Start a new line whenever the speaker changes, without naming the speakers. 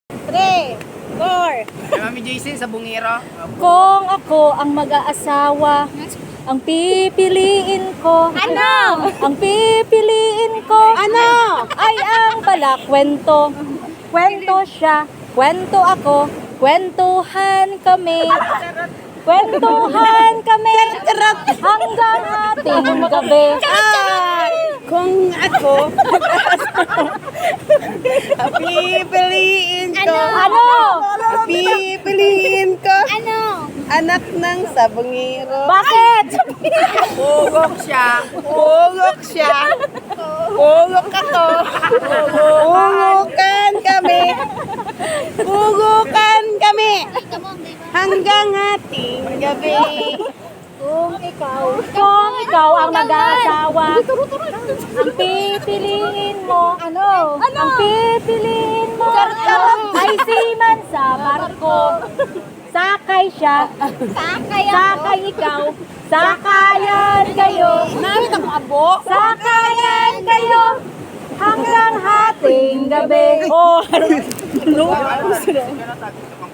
3, 4.
Kay Mami JC sa bungiro.
Kung ako ang mag-aasawa, ang pipiliin ko.
Ano?
Ang pipiliin ko.
Ano?
Ay ang balakwento. Kwento siya, kwento ako, kwentuhan kami. Kwentuhan kami hanggang ating gabi.
Kung ako, pipiliin ko.
Ano?
Pipiliin ko.
Ano?
Anak ng sabungiro.
Bakit?
Pugok siya.
Pugok siya. Pugok ako. Pugukan kami. Pugukan kami. Hanggang ating gabi.
Kung ikaw ang mag-aasawa, ang pipiliin mo, ang pipiliin mo, ay seaman sa barko. Sakay siya, sakay ikaw, sakayan kayo, sakayan kayo, hanggang hating gabi. Oh,
Ano?